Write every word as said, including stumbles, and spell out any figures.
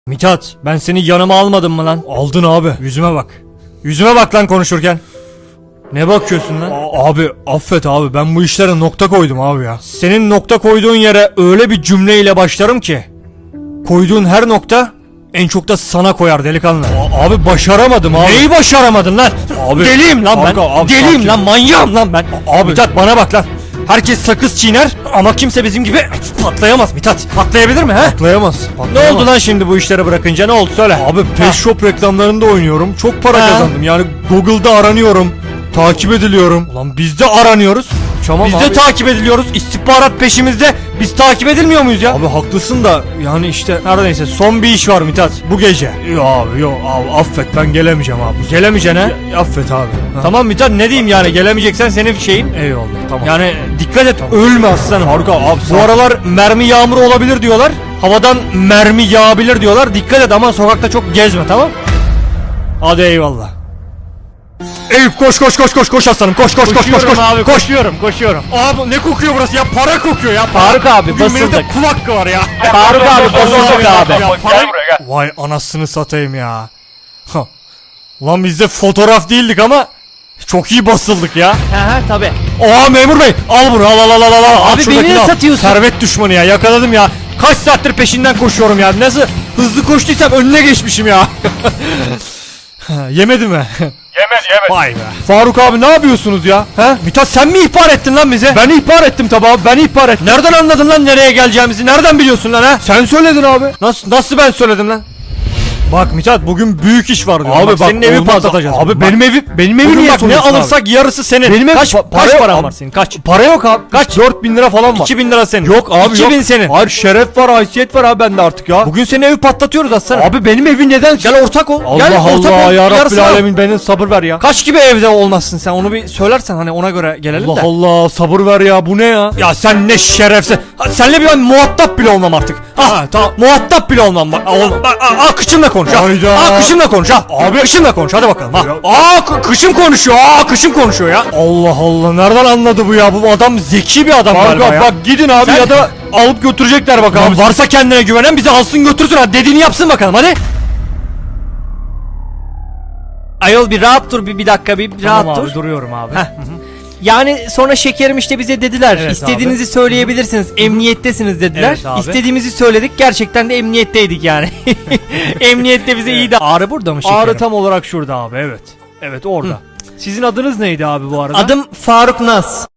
Mithat, ben seni yanıma almadım mı lan? Aldın abi. Yüzüme bak. Yüzüme bak lan konuşurken. Ne bakıyorsun lan? A- abi affet abi, ben bu işlere nokta koydum abi ya. Senin nokta koyduğun yere öyle bir cümleyle başlarım ki koyduğun her nokta en çok da sana koyar delikanlı. A- abi başaramadım abi. Neyi başaramadın lan? Abi, deliyim lan ben. Abi, deliyim sakin. Lan manyağım lan ben. A- abi Mithat bana bak lan. Herkes sakız çiğner ama kimse bizim gibi patlayamaz Mithat. Patlayabilir mi he? Patlayamaz. Patlayamaz. Ne oldu lan şimdi bu işleri bırakınca, ne oldu söyle. Abi Pet Shop reklamlarında oynuyorum. Çok para ha. kazandım. Yani Google'da aranıyorum. Takip ediliyorum. Ulan biz de aranıyoruz. Tamam biz abi. de takip ediliyoruz. İstihbarat peşimizde. Biz takip edilmiyor muyuz ya? Abi haklısın da yani işte neredeyse son bir iş var Mithat bu gece. Yok abi yok abi, affet ben gelemeyeceğim abi. Gelemeyeceksin ha? Ya, affet abi. Ha. Tamam Mithat, ne diyeyim yani, gelemeyeceksen senin şeyin. Eyvallah tamam. Yani dikkat et, tamam. Ölme aslanım. Harika abi. Bu aralar mermi yağmuru olabilir diyorlar. Havadan mermi yağabilir diyorlar. Dikkat et ama sokakta çok gezme, tamam? Hadi eyvallah. Eyüp koş koş koş koş koş aslanım, koş koş koş koş koş abi, koş. Koşuyorum koşuyorum. Abi ne kokuyor burası ya, para kokuyor ya. Faruk abi basıldık. Benim kulak var ya. Faruk abi basıldık abi. Ya, para... Vay anasını satayım ya. Ha. Lan biz de fotoğraf değildik ama çok iyi basıldık ya. He tabi. Oha memur bey, al bunu al al al al al. Abi beni ne satıyorsun? Servet düşmanı ya, yakaladım ya. Kaç saattir peşinden koşuyorum ya. Nasıl hızlı koştuysam önüne geçmişim ya. Yemedi mi? Yemedi yemedi. Vay be. Faruk abi ne yapıyorsunuz ya? He? Mithat sen mi ihbar ettin lan bize? Ben ihbar ettim tabi abi, ben ihbar ettim. Nereden anladın lan nereye geleceğimizi? Nereden biliyorsun lan ha? Sen söyledin abi. Nasıl nasıl ben söyledim lan? Bak Mithat, bugün büyük iş var diyorum. Abi bak, bak, senin evi olmaz. patlatacağız. Abi bak. benim evi benim evim Bugün niye bak ne soruyorsun alırsak abi? yarısı senin. Benim ev kaç pa- kaç para paran yok var abi. senin? Kaç? Para yok abi. Kaç? dört bin lira falan var. iki bin lira senin. Yok abi iki bin yok. senin. Hayır, şeref var, haysiyet var abi bende artık ya. Bugün senin evi patlatıyoruz aslanım. Abi benim evi neden? Gel ortak ol. Allah Gel ortak Allah ol. ya Rabbil Yarısını al. Alemin, benim sabır ver ya. Kaç gibi evde olmazsın sen, onu bir söylersen hani ona göre gelelim Allah de. Allah, sabır ver ya, bu ne ya? Ya sen ne şerefsiz. Ha, senle bir ben muhatap bile olmam artık. Ha tamam, muhatap bile olmam. Bak, ol, bak, aa, aa, kışımla konuş ha. Hayda. Aa, kışımla konuş ha. Abi kışımla konuş hadi bakalım ha. Aa kı- kışım konuşuyor. Aa kışım konuşuyor ya. Allah Allah, nereden anladı bu ya? Bu adam zeki bir adam galiba Faruk ya. bak gidin abi Sen- ya da alıp götürecekler bak Lan abi. varsa kendine güvenen bizi alsın götürsün, hadi dediğini yapsın bakalım hadi. Ayol bir rahat dur, bir, bir dakika bir, bir rahat Tamam abi, dur. duruyorum abi. Heh. Yani sonra şekerim işte bize dediler. Evet İstediğinizi söyleyebilirsiniz. Emniyettesiniz dediler. Evet abi. İstediğimizi söyledik. Gerçekten de emniyetteydik yani. Emniyette bize iyi de. Ağrı burada mı şekerim? Ağrı tam olarak şurada abi, evet. Evet orada. Sizin adınız neydi abi bu arada? Adım Faruk Naz.